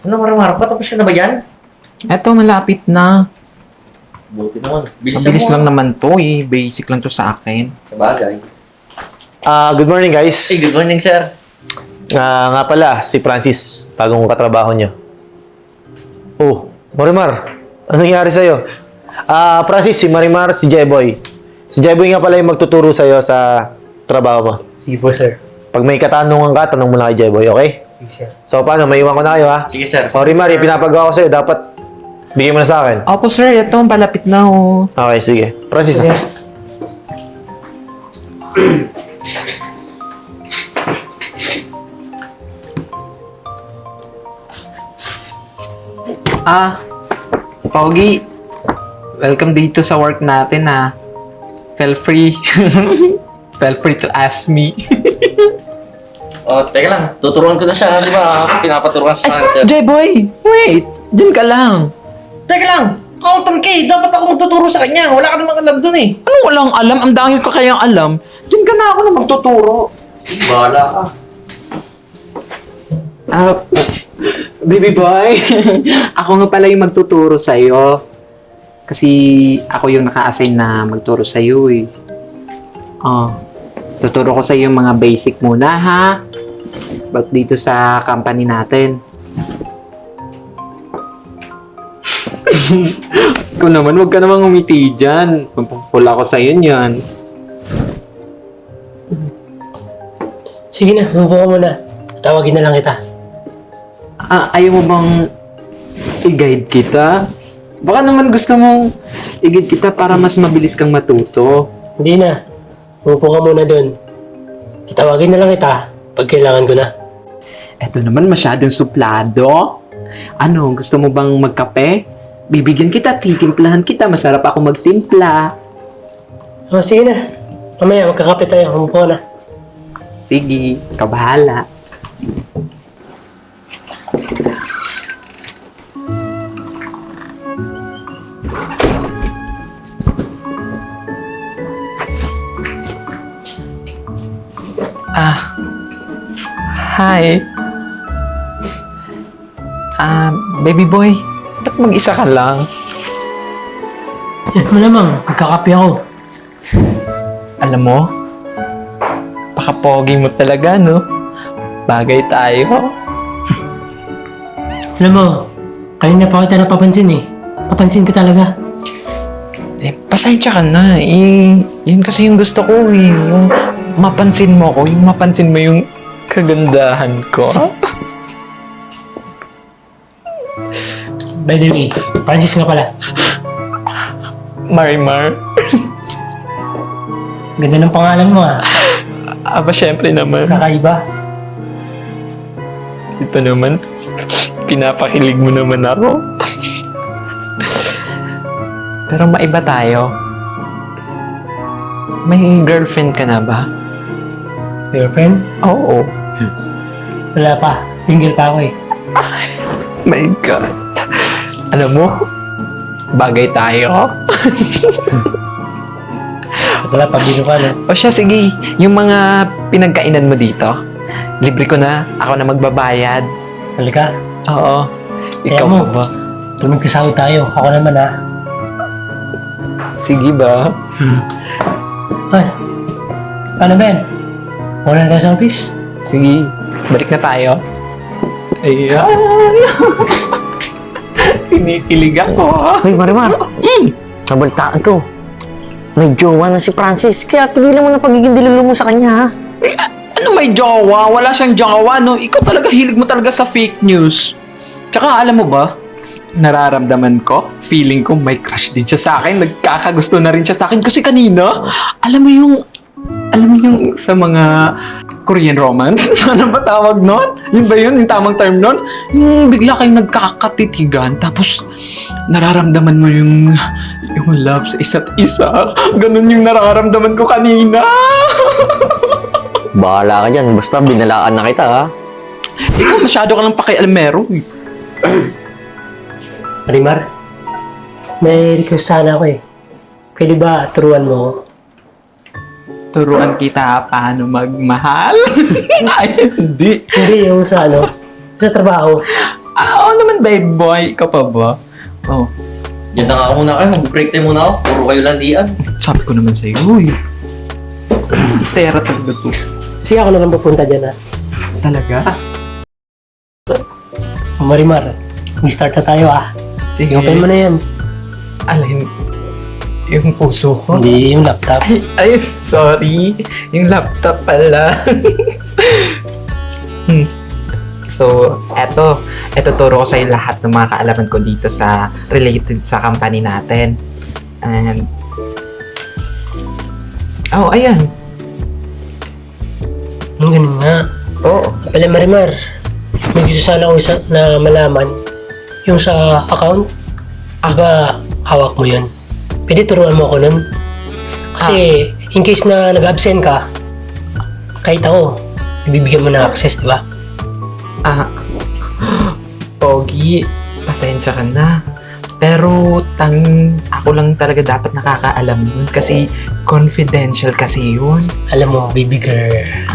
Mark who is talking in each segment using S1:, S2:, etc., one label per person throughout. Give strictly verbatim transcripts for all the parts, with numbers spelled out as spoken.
S1: Ano, Marimar? Patapos ka na ba yan?
S2: Eto, malapit na.
S1: Buti naman. Bilis
S2: Mabilis lang naman to eh. Basic lang to sa akin.
S1: Sabagay.
S3: Ah, good morning guys.
S1: Hey, good morning, sir.
S3: Ah, nga pala, si Francis, bagong katrabaho niyo. Oh, Marimar, ano nangyari sa'yo? Ah, Francis, si Marimar, si Jeboy. Si Jeboy nga pala yung magtuturo sa'yo sa trabaho mo.
S4: Sige po, sir.
S3: Pag may katanungan ka, tanong mo na kay Jeboy, okay?
S4: Sige, sir.
S3: So, paano? May iwan ko na kayo, ha?
S1: Sige, sir.
S3: Sorry, Mari, pinapagawa ko sa'yo. Dapat bigyan mo na sa akin.
S2: Opo sir, eto, palapit na oh.
S3: Okay, sige. Francis,
S4: Sige.
S2: Ah, Pogi. Welcome dito sa work natin ah. Feel free. Feel free to ask me.
S1: Oh, teka lang. Tuturuan ko na siya, di ba? Ako pinapaturuan siya sa akin, sir.
S2: J-boy, wait. Diyan ka lang.
S1: Teka lang! Accountant ka eh! Dapat ako magtuturo sa kanya. Wala ka namang alam dun eh.
S2: Ano walang alam? Ang dami ko kayang alam. Diyan ka na ako na magtuturo.
S1: Bahala ka.
S2: Ah, baby boy. Ako nga pala yung magtuturo sa'yo. Kasi ako yung naka-assign na magturo sa'yo eh. Oh, tuturo ko sa'yo yung mga basic muna ha. Ba't dito sa company natin. Ikaw naman, huwag ka namang umiti dyan. Pampapul ako sa'yo niyan.
S4: Sige na, umupo ka muna. Tawagin na lang kita.
S2: Ah, ayaw mo bang i-guide kita? Baka naman gusto mong i-guide kita para mas mabilis kang matuto.
S4: Hindi na. Umupo ka muna dun. Tawagin na lang kita pag kailangan ko na.
S2: Eto naman masyadong suplado. Ano, gusto mo bang magkape? Bibigyan kita, titimplahan kita. Masarap ako magtimpla.
S4: Oh, sige na. Mamaya, magkakape tayo. Umupo ka na.
S2: Sige, kabahala. Ah, hi. Ah, baby boy, ba't mag-isa ka lang?
S4: Yan, malamang. Magkakape ako.
S2: Alam mo, pakapogi mo talaga, no? Bagay tayo.
S4: Alam mo, kanina pa kita napapansin eh. Papansin ka talaga.
S2: Eh, pasensya ka na. Eh, yun kasi yung gusto ko eh. Yung mapansin mo ko, yung mapansin mo yung kagandahan ko.
S4: By the way, Francis nga pala.
S2: Marimar.
S4: Ganda ng pangalan mo ah.
S2: Aba, syempre naman.
S4: Kakaiba.
S2: Ito naman, pinapakilig mo naman ako. Pero maiba tayo. May girlfriend ka na ba?
S4: Girlfriend?
S2: Oo.
S4: Wala pa. Single pa ako eh.
S2: My God. Alam mo, bagay tayo.
S4: Wala pa. Bino ka no?
S2: O siya, sige. Yung mga pinagkainan mo dito, libre ko na. Ako na magbabayad.
S4: Halika.
S2: Oo. Ikaw
S4: mo.
S2: pa ba?
S4: Tuloy magkasahod tayo. Ako naman ah.
S2: Sige ba?
S4: Ay. Paano Ben? Muna na tayo sa office?
S2: Sige. Balik na tayo. Ayan. Kinikilig ako.
S5: Hoy, Marimar.
S2: Mm.
S5: Nabalitaan ko. May jowa na si Francis. Kaya tigilan mo na pagiging dilulo mo sa kanya, ha?
S2: Eh, a- ano may jowa? Wala siyang jowa, no? Ikaw talaga, hilig mo talaga sa fake news. Tsaka, alam mo ba, nararamdaman ko, feeling ko may crush din siya sa akin. Nagkakagusto na rin siya sa akin. Kasi kanina, alam mo yung, alam mo yung sa mga Korean romance? Ano ba tawag nun? Yun ba yun? Yung tamang term nun? Yung bigla kayong nagkakatitigan, tapos nararamdaman mo yung, yung love sa isa't isa. Ganun yung nararamdaman ko kanina.
S5: Bahala ka dyan. Basta binalaan na kita, ha?
S2: Ikaw masyado ka lang pakialamero. eh.
S4: Marimar, may request sana ako eh. Pwede ba turuan mo ako?
S2: Turuan kita paano magmahal? Ay, hindi.
S4: Hindi, yung sa ano, sa trabaho.
S2: Ah, oo naman, babe boy. Ikaw pa ba? Oh,
S1: Yan na nga muna kayo. Mag-break time muna ako. Puro kayo landian.
S2: sabi ko naman sa'yo, uy. Tera talaga to.
S4: Sige, ako na lang pupunta dyan, ha?
S2: Talaga?
S4: O, Marimar, mag-start na tayo, ha?
S2: Sige.
S4: Open mo na yan.
S2: Alin, yung puso ko.
S4: Hindi yung laptop.
S2: Ay, ay, sorry. Yung laptop pala. hmm. So, eto. Eto turo ko sa'yo lahat ng mga kaalaman ko dito sa related sa company natin. And, oh, ayan.
S4: Ang ganun nga.
S2: Oo.
S4: Pala, Marimar, may gusto sana ako isa na malaman. Yung sa account, aba, hawak mo yun. Pwede turuan mo ako nun. Kasi, in case na nag-absent ka, kahit ako, ibibigyan mo ng access, di ba?
S2: Ah, Pogi, pasensya ka na. Pero, tang, ako lang talaga dapat nakakaalam yun kasi confidential kasi yun.
S4: Alam mo, baby girl.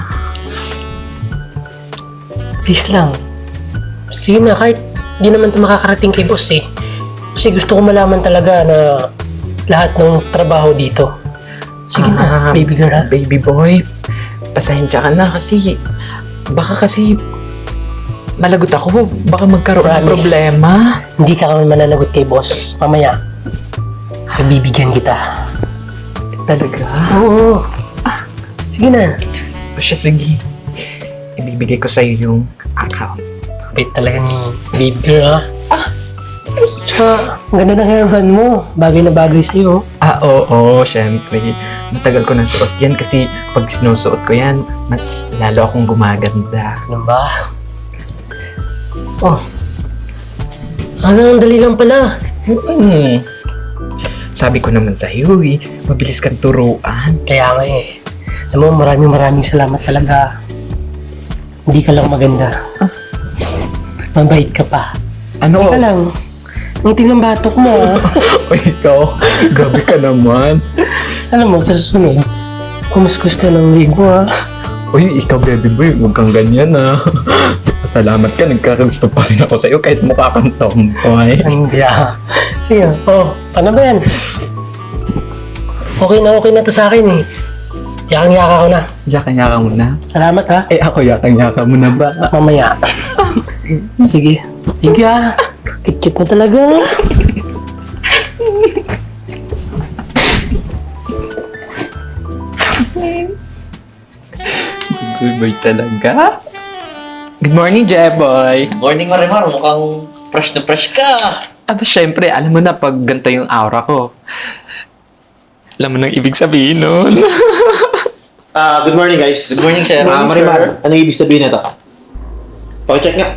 S4: Please lang. Sige na, kahit di naman ito makakarating kay boss eh. Kasi gusto ko malaman talaga na lahat ng trabaho dito. Sige na,
S2: Ah,
S4: baby girl ha.
S2: Baby boy, pasensya ka na kasi baka kasi malagot ako. Baka magkaroon ng
S4: Promise.
S2: problema.
S4: Hindi ka kami mananagot kay boss. Mamaya, pagbibigyan kita.
S2: Talaga?
S4: Oo. Ah, sige na.
S2: O siya, sige. Ibibigay ko sa'yo yung account.
S4: Wait talaga ni baby girl ha. Ah! Tsaka, ang ganda ng hairband mo. Bagay na bagay sa'yo.
S2: Ah, oo, syempre. Matagal ko nang suot yan kasi pag sinusuot ko yan, mas lalo akong gumaganda.
S4: Ano ba? Oh. Hanggang dali lang pala.
S2: Mm. Sabi ko naman sa'yo eh, mabilis kang turuan.
S4: Kaya nga eh. Alam mo, maraming maraming salamat talaga. Hindi ka lang maganda. Mabait ka pa.
S2: Ano?
S4: Hindi ka lang. Ang tingnan batok mo ah.
S2: O ikaw, grabe ka naman.
S4: Alam mo, sa susunod, kumuskus ka ng leg mo ah.
S2: Uy, ikaw baby boy, huwag kang ganyan ah. Salamat ka, nagkakagusto pa rin ako sa'yo kahit mukha kang tomboy.
S4: Hindi ah. Sige, oh, ano ba yan? Okay na okay na to sa akin eh. Yakang-yaka ko na.
S2: Yaka-yaka mo na?
S4: Salamat ha.
S2: Eh ako, yaka-yaka mo na ba?
S4: Mamaya. Sige. Thank you ah. Kit-kit mo talaga.
S2: Good boy talaga. Good morning, Jeboy.
S1: Morning, Marimar. Mukhang fresh na fresh ka.
S2: Aba, syempre, alam mo na pag ganito yung aura ko. Alam mo nang ibig sabihin nun.
S3: Ah, good morning guys.
S1: Good morning, sir.
S3: Ah, Marimar, ano ibig sabihin nito? Paki-check nga.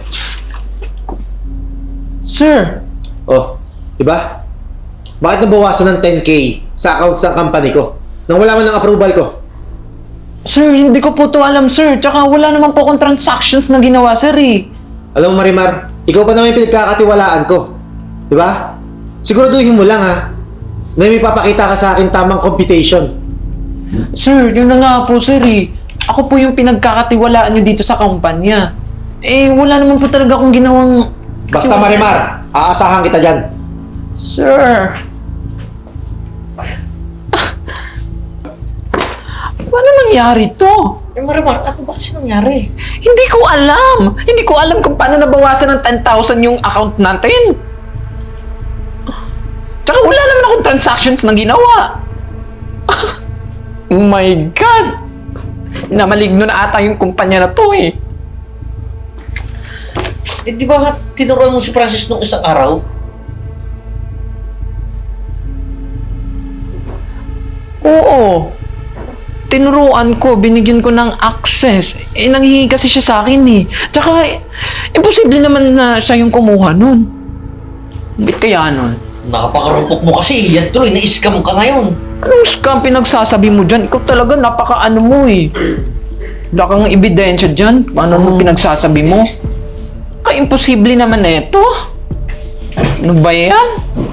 S2: Sir,
S3: Oh, di ba? Bakit nabawasan ng ten K sa accounts ng company ko? Nang wala man ng approval ko.
S2: sir, hindi ko po to alam, sir. Tsaka wala naman po akong transactions na ginawa, sir eh.
S3: Alam mo Marimar, ikaw pa naman yung pinagkakatiwalaan ko. Di ba? Siguraduhin mo lang ha, na may papakita ka sa akin tamang computation.
S2: Sir, yun na nga po, sir eh. Ako po yung pinagkakatiwalaan nyo dito sa kumpanya. Eh, wala naman po talaga akong ginawang...
S3: Basta Marimar, aasahan kita dyan.
S2: Sir! Paano nangyari to?
S1: Eh, Marimar, ano ba kasi nangyari?
S2: Hindi ko alam! Hindi ko alam kung paano nabawasan ng ten thousand yung account natin. Tsaka wala naman akong transactions na ginawa. Oh my God! Namaligno na ata yung kumpanya na to eh.
S1: Eh, di ba tinuruan mo si Francis nung isang araw?
S2: Oo. Tinuruan ko, binigyan ko ng access. Eh, nanghihingi kasi siya sa akin eh. Tsaka, eh, imposible naman na siya yung kumuha nun. Bit kaya nun?
S1: Napakarumpok mo kasi. Yan tuloy, na-scam ka ngayon.
S2: Anong scam pinagsasabi mo dyan? Ikaw talaga, napaka-ano mo eh. Wala kang ebidensya dyan. Ano mo pinagsasabi mo? Ka-imposible naman na ito. Ano ba yan?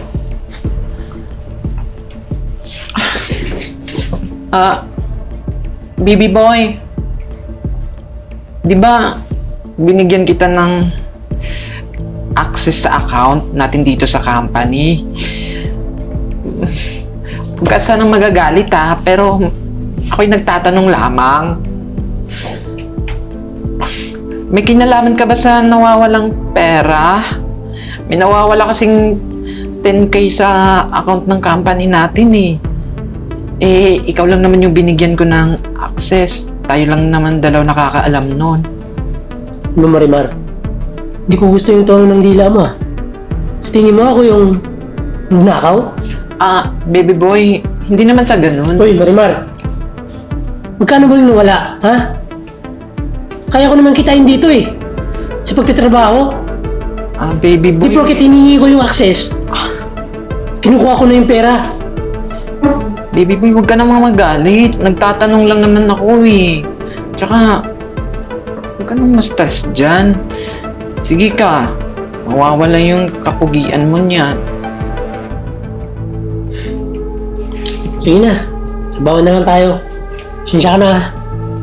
S2: Ah, baby boy. Di ba, binigyan kita ng access sa account natin dito sa company. Huwag ka sanang magagalit ha, pero ako'y nagtatanong lamang. May kinalaman ka ba sa nawawalang pera? May nawawala kasing ten K sa account ng company natin eh. Eh, ikaw lang naman yung binigyan ko ng access. Tayo lang naman dalaw nakakaalam nun.
S4: Ano, Marimar? Hindi ko gusto yung tono ng dila mo ah. Sa tingin mo ako yung nakaw?
S2: Ah, baby boy, hindi naman sa ganun.
S4: Hoy, Marimar. Magkano ba yung nawala, ha? Kaya ko naman kitain dito eh. Sa pagtitrabaho.
S2: Ah, baby boy.
S4: Di porket hiningi ko yung access, kinukuha ko na yung pera.
S2: Baby boy, huwag ka namang magalit. Nagtatanong lang naman ako eh. Tsaka, huwag ka namang ma-stress dyan. Sige ka, mawawala yung kapugian mo niyan.
S4: Sige na, trabaho na lang tayo. Sinsya ka na ha.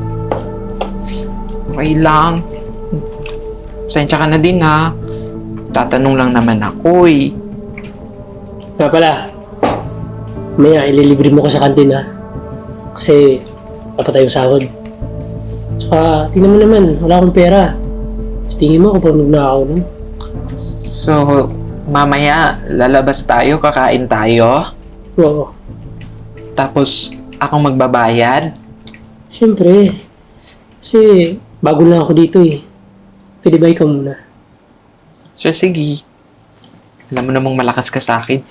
S2: Okay lang. Pasensya ka na din ha. Tatanong lang naman ako eh.
S4: Nga pala, maya ililibre mo ko sa kantin ha. Kasi, dapat tayong sahod. Tsaka, tingnan mo naman, wala akong pera. Mas tingin mo kung paano nagnakaw nun.
S2: So, mamaya lalabas tayo, kakain tayo.
S4: Oo,
S2: Tapos, akong magbabayad.
S4: syempre. Kasi, bago lang ako dito eh. Pwede ba ikaw muna?
S2: So, sige. Alam mo namang malakas ka sa akin.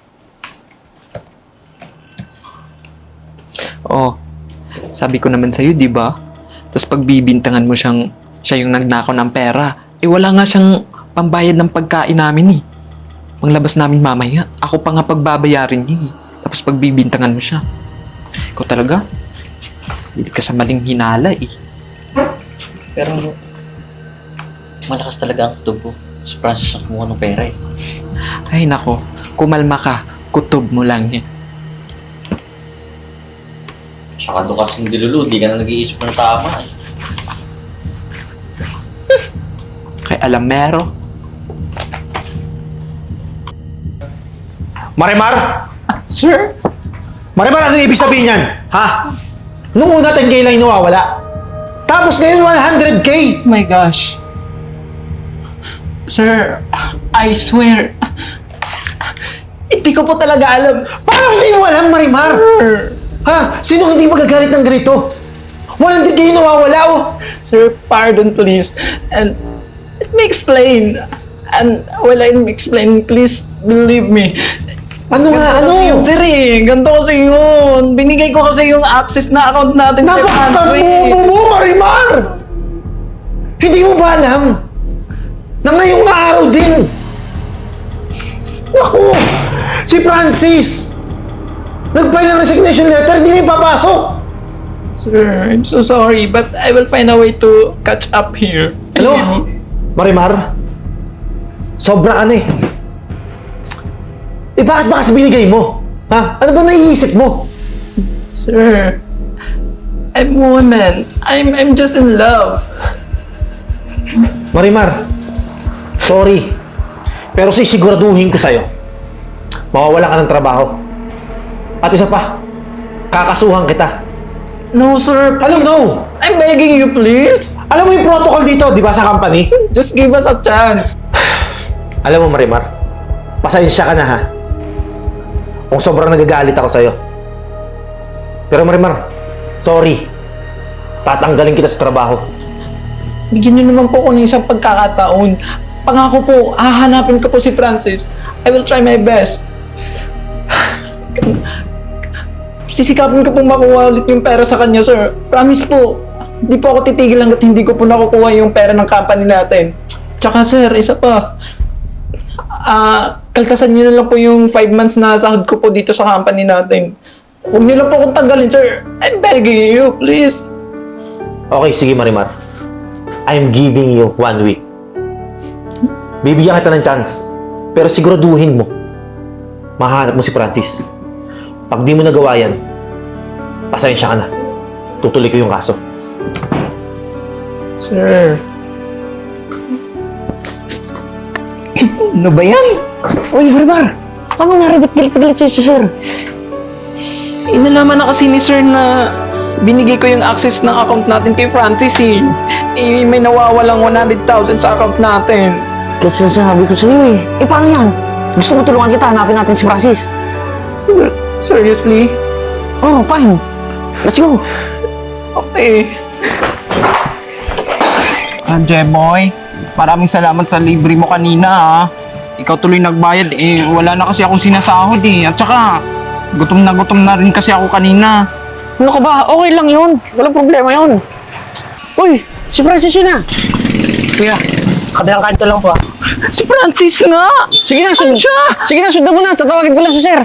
S2: Oh, sabi ko naman sa'yo, di ba? Tapos pagbibintangan mo siyang, siya yung nagnakaw ng pera. Eh, wala nga siyang pambayad ng pagkain namin eh. Panglabas namin mamaya. Ako pa nga pagbabayarin niya eh. Tapos pagbibintangan mo siya. Ikaw talaga? Hindi ka sa maling hinala eh.
S1: Pero, malakas talaga ang kutob ko. Si Francis ang kumuha ng pera eh.
S2: Ay nako, kumalma ka. Kutob mo lang yan.
S1: Saka doon kasing dilulu, di ka na nag-iisip ng tama eh.
S2: Kay alamero.
S3: Marimar!
S2: Sir?
S3: Marimar, ano ibig sabihin yan? Ha? Nung una ten K lang yung nawawala. Tapos ngayon one hundred K!
S2: Oh my gosh. Sir, I swear, hindi ko po talaga alam.
S3: Paano hindi mo alam, Marimar?
S2: Sir,
S3: Ha? Sino hindi magagalit ng ganito? one hundred K yung nawawala, oh!
S2: sir, pardon please. And let me explain. And while I'm explaining, please believe me.
S3: Ano nga,
S2: Ganito kasi
S3: ano?
S2: yun, sir eh. Ganito kasi yun. Binigay ko kasi yung access na account natin sa
S3: Napakatabobo mo, Marimar! Hindi mo ba alam na ngayong araw din? Naku! Si Francis! Nag-file ng resignation letter, hindi na ipapasok!
S2: Sir, I'm so sorry, but I will find a way to catch up here.
S3: Ano? Marimar? Sobra ka na eh. Eh bakit ba kasi binigay mo? Ha? Ano ba naiisip mo?
S2: Sir, I'm woman. I'm I'm just in love.
S3: Marimar, sorry. Pero sisiguraduhin ko sa'yo, mawawalan ka ng trabaho. At isa pa, kakasuhan kita.
S2: No, sir.
S3: Alam no?
S2: I'm begging you, please.
S3: Alam mo yung protocol dito, di ba, sa company?
S2: Just give us a chance.
S3: Alam mo, Marimar, pasensya ka na ha. Kung sobrang nagagalit ako sa'yo. Pero Marimar, sorry. Tatanggalin kita sa trabaho.
S2: Bigyan niyo naman po ako ng isang pagkakataon. Pangako po, hahanapin ko po si Francis. I will try my best. Sisikapin ko pong makuha ulit yung pera sa kanya, sir. Promise po. Hindi po ako titigil hanggat hindi ko po nakukuha yung pera ng company natin. Tsaka, sir, isa pa. Ah, kaltasan niyo na lang po yung five months na sahod ko po dito sa company natin. Huwag niyo lang po akong tanggalin, sir. I'm begging you, please.
S3: Okay, sige Marimar. I'm giving you one week. Bibigyan kita ng chance. Pero siguraduhin mo, mahanap mo si Francis. Pag di mo nagawa yan, pasensya ka na. Tutuloy ko yung kaso.
S2: Sir. Ano ba yan?
S5: Uy, Marimar! Paano nga rin? Ba't galit-galit sa'yo si sir?
S2: Inalaman na kasi ni sir na binigay ko yung access ng account natin kay Francis eh. Eh, may nawawalang one hundred thousand sa account natin.
S5: Kasi sinasabi ko sa'yo eh. Eh, paano yan? Gusto mo tulungan kita, hanapin natin si Francis.
S2: Seriously?
S5: Oh, fine. Let's go.
S2: Okay. Ah, Jeboy, maraming salamat sa libre mo kanina ha. Ikaw tuloy nagbayad eh, wala na kasi akong sinasahod eh. At saka, gutom na gutom na rin kasi ako kanina.
S5: Ano ka ba? Okay lang yun. Walang problema yun. Uy, si Francis yun ah.
S4: Kuya, kabilang kanto lang po ah.
S2: Si Francis nga!
S5: Sige na, sundan.
S2: siya?
S5: Sige na, sundan mo na. Tatawagin ko lang si sir.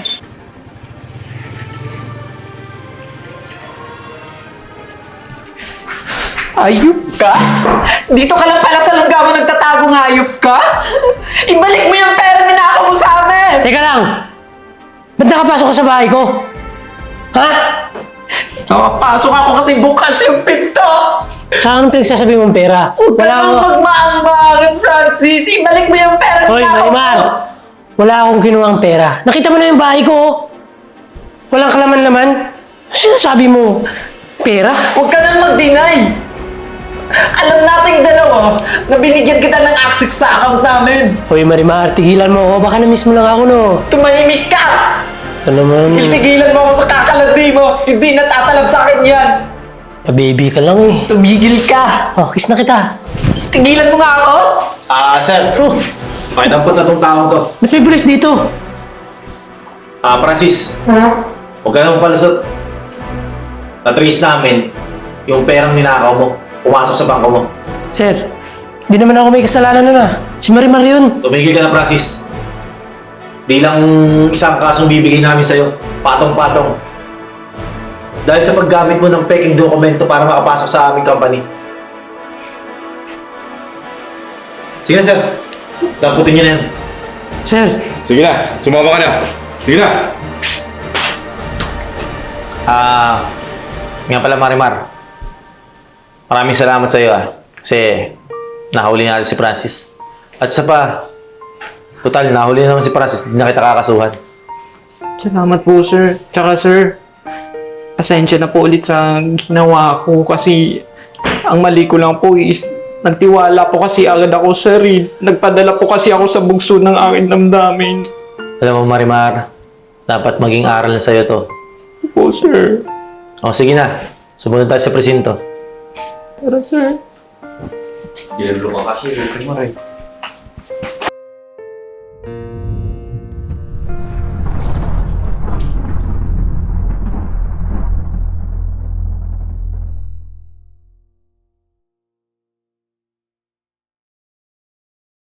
S2: Ayop ka? Dito ka lang pala sa langgaman nagtatago ng hayop ka? Ibalik mo yung pera na ninakaw mo sa amin!
S4: Teka lang! Ba't nakapasok ka sa bahay ko? Ha?
S2: Nakapasok ako kasi bukas yung pinto!
S4: Saan anong pinagsasabi mong pera?
S2: Huwag ka
S4: Wala
S2: nang
S4: akong...
S2: magmaang-maangan, Francis! Ibalik mo yung pera na
S4: Hoy,
S2: ninakaw mo!
S4: Marimar! Wala akong kinuhang pera. Nakita mo na yung bahay ko. Walang kalaman-laman. Ano sinasabi mo? Pera?
S2: Huwag ka nang mag-deny! Alam nating dalawa na binigyan kita ng access sa account namin!
S4: Hoy, Marimar, tigilan mo ako. Baka na-miss mo lang ako, no?
S2: Tumahimik ka!
S4: Ito naman.
S2: Tigilan mo ako sa kakalandi mo! Hindi natatalab sa akin yan!
S4: Pa-baby ka lang eh.
S2: Tumigil ka!
S4: Oh, kiss na kita.
S2: Tigilan mo nga ako!
S3: Ah, sir.
S4: Oh,
S3: Pakinampot na tong taong to.
S4: na-feverish dito.
S3: Ah, Francis. Huwag ka nang palusot. Na-trace namin yung perang ninakaw mo. Pumasok sa bangko mo.
S4: Sir, di naman ako may kasalanan nun ah. Si Marimar yun.
S3: Tumigil ka na, Francis. Bilang isang kasong bibigay namin sa'yo, patong-patong. Dahil sa paggamit mo ng peking dokumento para makapasok sa aming company. Sige na, sir. Daputin niyo na yan.
S4: Sir,
S6: Sige na, sumama ka na. Sige na.
S3: Ah, nga pala, Marimar. Maraming salamat sa iyo ah. Kasi nahuli natin si Francis. At isa pa, total, nahuli naman si Francis. Hindi na kita kakasuhan.
S2: Salamat po, sir. Tsaka, sir, pasensya na po ulit sa ginawa ko kasi ang mali ko lang po is nagtiwala po kasi agad ako, sir. Eh. Nagpadala po kasi ako sa bugso ng aking damdamin.
S3: Alam mo, Marimar, dapat maging aral na sa'yo to.
S2: Po, sir.
S3: O, sige na. Sumunod tayo sa presinto.
S2: Tara, sir.
S1: Yelo ka kasi, Marimar eh.